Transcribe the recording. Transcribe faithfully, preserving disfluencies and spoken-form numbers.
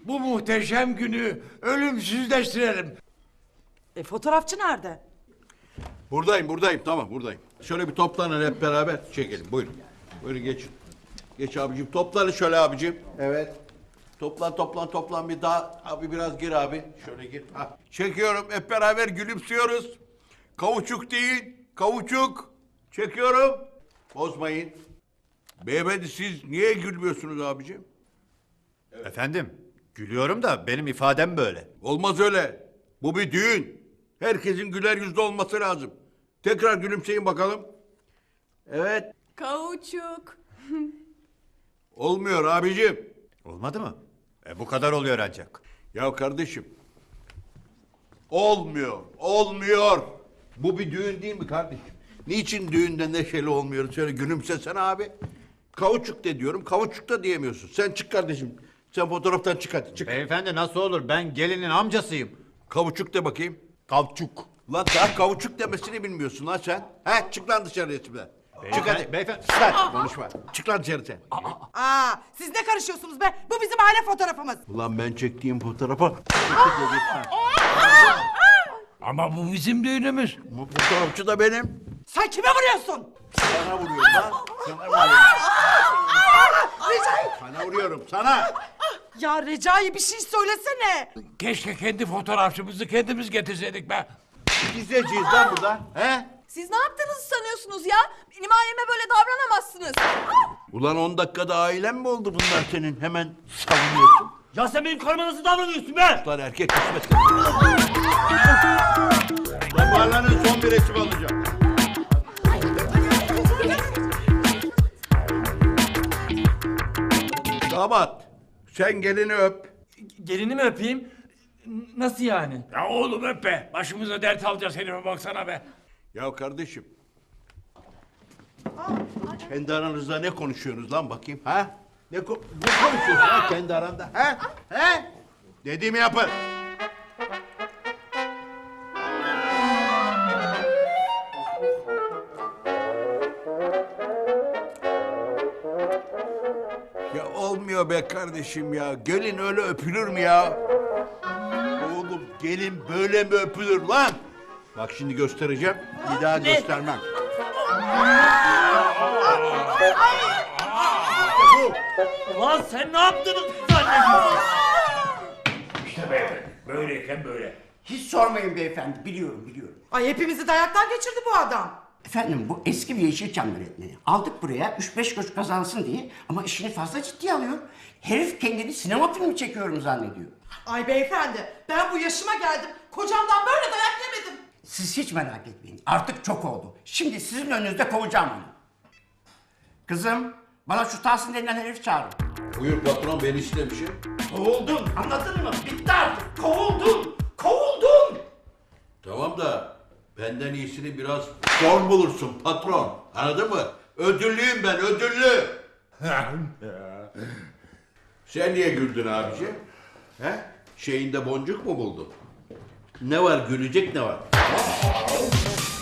bu muhteşem günü ölümsüzleştirelim. E fotoğrafçı nerede? Buradayım, buradayım. Tamam, buradayım. Şöyle bir toplanın hep beraber çekelim. Buyurun. Buyurun geçin. Geç abicim. Toplanın şöyle abicim. Evet. Toplan, toplan, toplan. Bir daha. Abi biraz gir abi. Şöyle gir. Ha. Çekiyorum. Hep beraber gülümsüyoruz. Kavuçuk değil. Kavuçuk. Çekiyorum. Bozmayın. Beyefendi siz niye gülmüyorsunuz abicim? Efendim, gülüyorum da benim ifadem böyle. Olmaz öyle. Bu bir düğün. Herkesin güler yüzlü olması lazım. Tekrar gülümseyin bakalım. Evet. Kauçuk. Olmuyor abicim. Olmadı mı? E bu kadar oluyor ancak. Ya kardeşim. Olmuyor. Olmuyor. Bu bir düğün değil mi kardeşim? Niçin düğünde neşeli olmuyoruz? Şöyle gülümsesene abi. Kavuçuk de diyorum. Kavuçuk da diyemiyorsun. Sen çık kardeşim. Sen fotoğraftan çık hadi. Çık. Beyefendi nasıl olur? Ben gelinin amcasıyım. Kavuçuk de bakayım. Kavçuk. Lan daha kavuçuk demesini bilmiyorsun lan sen. He çık lan dışarıya şimdi. Çık hadi. Beyefendi. Lan konuşma. Çık lan dışarı sen. Aa, siz ne karışıyorsunuz be? Bu bizim aile fotoğrafımız. Ulan ben çektiğim fotoğrafa. Ama bu bizim düğünümüz. Bu fotoğrafçı da benim. Sen kime vuruyorsun? Sana vuruyorum lan. Sana vuruyorum. Sana vuruyorum sana. Ya Recai bir şey söylesene. Keşke kendi fotoğrafçımızı kendimiz getirseydik be. Gizleyeceğiz lan burada. He? Siz ne yaptığınızı sanıyorsunuz ya? Benim aileme böyle davranamazsınız. Ulan on dakikada ailen mi oldu bunlar senin? Hemen savunuyorsun. Ya sen benim karıma nasıl davranıyorsun be? Lan erkek kısmet. Damarların son bir resim alacağım. Damat, sen gelini öp. Gelini mi öpeyim? N- Nasıl yani? Ya oğlum öp be. Başımıza dert alacağız herife baksana be. Ya kardeşim. Kendi aranızda ne konuşuyorsunuz lan bakayım ha? Ne, ko- ne konuşuyorsunuz lan kendi aranda ha? He? Dediğimi yapın. Ya olmuyor be kardeşim ya. Gelin öyle öpülür mü ya? Oğlum gelin böyle mi öpülür lan? Bak şimdi göstereceğim. Bir daha göstermem. Bu. Ulan sen ne yaptığını zannediyorsun? İşte beyefendi. Böyleyken böyle. Hiç sormayın beyefendi, biliyorum biliyorum. Ay hepimizi dayaktan geçirdi bu adam. Efendim bu eski bir Yeşilçam yönetmeni. Aldık buraya üç beş kuruş kazansın diye ama işini fazla ciddiye alıyor. Herif kendini sinema filmi çekiyorum zannediyor. Ay beyefendi ben bu yaşıma geldim. Kocamdan böyle dayak yemedim. Siz hiç merak etmeyin, artık çok oldu. Şimdi sizin önünüzde kovacağım onu. Kızım, bana şu Tahsin denilen herif çağırın. Buyur patron beni istemişim. Kovuldun, anladın mı? Bitti artık, kovuldun, kovuldun. Tamam da benden iyisini biraz zor bulursun patron. Anladın mı? Ödüllüyüm ben ödüllü. Sen niye güldün abici? He? Şeyinde boncuk mu buldun? Ne var gülecek ne var?